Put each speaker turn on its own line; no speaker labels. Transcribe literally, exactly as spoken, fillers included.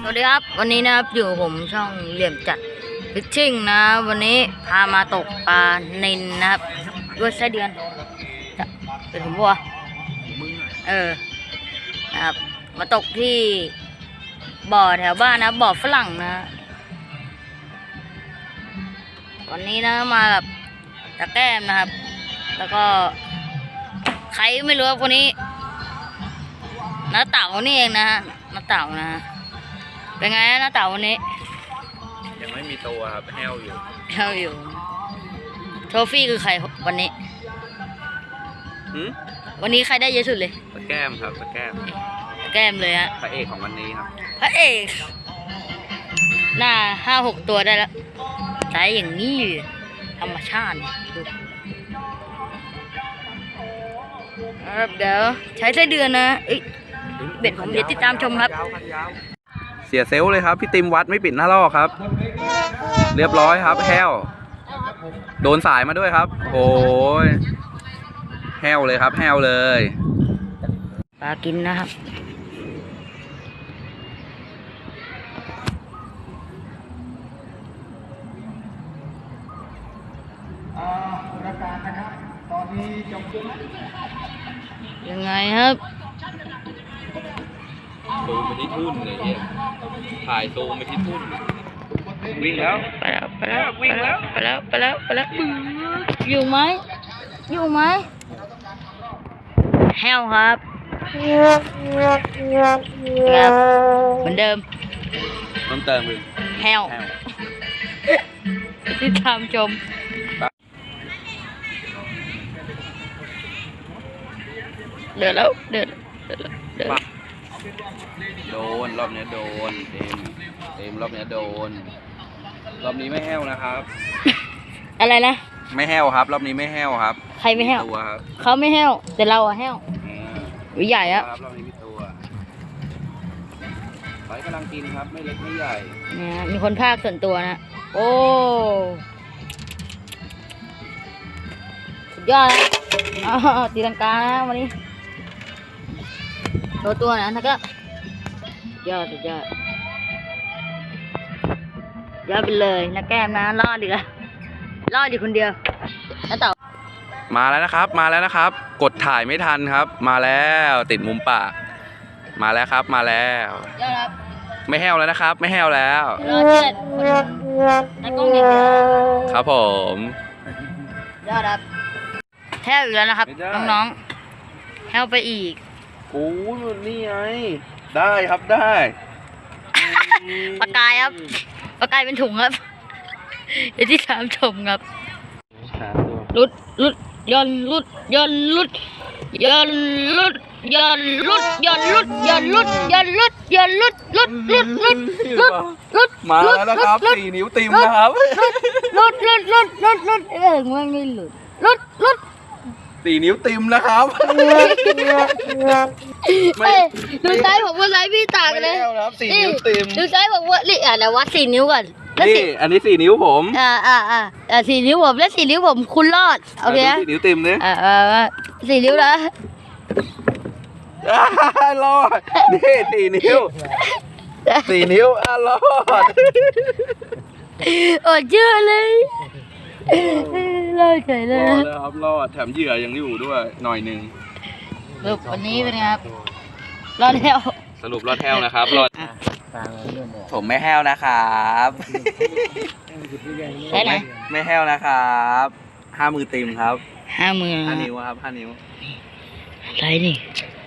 สวัสดีครับวันนี้นะครับอยู่ผมช่องเหลี่ยมจัดฟิชชิ่งนะวันนี้พามาตกปลานิลนะครับด้วยไส้เดือนจะเป็นผมบัวเออนะครับมาตกที่บ่อแถวบ้านนะบ่อฝรั่งนะวันนี้นะมากับตะแก้มนะครับแล้วก็ใครไม่รู้คนนี้น้าเต่านี่เองนะฮะน้าเต่านะเป็นไงนะน้าเต่าวันนี้
ยังไม่มีตัวครับแห้วอยู่
แห้วอยู่โทฟี่คือใครวันนี้วันนี้ใครได้เยอะสุดเลย
ตะแก้มครับตะแก้ม
ตะแก้มเลยฮะ
พระเอกของวันนี้ครับ
พระเอกหน้าห้าหกตัวได้แล้วใช้อย่างนี้ธรรมชาติดูครับเดี๋ยวใช้ไส้เดือนนะเอ้ยเบ็ดผมเดี๋ยวติดตามชมครับ
เสียเซลล์เลยครับพี่ติมวัดไม่ปิดหน้าลอกครับเรียบร้อยครับแห้วโดนสายมาด้วยครับโอ้ยแห้วเลยครับแห้วเลย
ปลากินนะครับประกาศนะครับตอนนี้จบยังไงครับ
ซูมไปที่ทุ่นเลยเนี่ยถ่ายซูมไปที่ทุ่นวิ่งแล้ว
ไปแล้วไปแล้ววิ่งแล้วไปแล้วไปแล้วไปแล้วอยู่ไหมอยู่ไหมแห้วครับเหมือนเดิม
เพิ่มเติมเลย
แห้วที่ทำชมเดือดแล้วเดือดเดือดเดือด
โดนรอบนี้โดนเต็มเต็มรอบนี้โดนรอบนี้ไม่แห้วนะครับ
อะไรนะ
ไม่แห้วครับรอบนี้ไม่แห้วครับ
ใครไม่แห้ว
ตัวครับ
เขาไม่แห้วแต่เราอะแห้ววิใหญ่อะ
รอบนี้มีตัวไฟกำลังกินครับไม่เล็กไม่ใหญ่
เนี่ยมีคนภาคส่วนตัวนะโอ้สุดยอดนะอ๋อตีลังกานะวันนี้ตัวตัวนะแล้วก็ยอดสุดยอดยอดไปเลยนะแก้มนะรอดดีละรอดดีคนเดียวแล้วต่อ
มาแล้วนะครับมาแล้วนะครับกดถ่ายไม่ทันครับมาแล้วติดมุมปากมาแล้วครับมาแล้ว
ยอดครับ
ไม่แห้วแล้วนะครับไม่แห้วแล้ว
รอเจ็ดตะกล้องเดียว
ครับผม
ยอดครับแห้วอีกแล้วนะครับน้องๆแห้วไปอีก
โอ้ยนี่ไงได้ครับได้
ปลากายครับปลากายเป็นถุงครับเดี๋ยวที่ถามชมครับลุดลุดย่อนลุดย่อนลุดย่อนลุดย่อนลุดย่อนลุดย่อนลุดย่อนลุดย่อนลุดลุดลุดลุดลุดลุด
มาแล้วนะครับสี่นิ้วติมนะครับ
ลุดลุดลุดลุดลุดเออมันไม่หลุดลุดลุด
สี่นิ้วติมนะครับ
ไม่ดูไซส์ผมว่าไซส์พี่ต่างเลย
สี่นิ้วติม
ดูไซส์ผมว่านี่อ่ะนะวัดสี่นิ้วก่อน
นี่อันนี้สี่นิ้วผม
อ่าอ่าอ่าอ่าสี่นิ้วผมและสี่นิ้วผมคุณรอดโอเค
สี่นิ้วติมเนี่ย
อ่าอ่าสี่นิ้วนะ
รอดนี่สี่นิ้วสี่นิ้วอ่ะรอด
โอ้เชื่อเลยรอดเฉยเลย
รอดครับรอดแถมเหยื่อยังอยู่ด้วยหน่อยหนึ่ง
สรุปวันนี้เป็นไงครับรอดแล้ว
สรุปรอดแห้วนะครับรอดผมไม่แห้วนะครับ
ใช่ไหม
ไม่แห้วนะครับห้ามือติมครับ
ห้ามือ
ห้านิ้วครับห้านิ้ว
ใช่นี่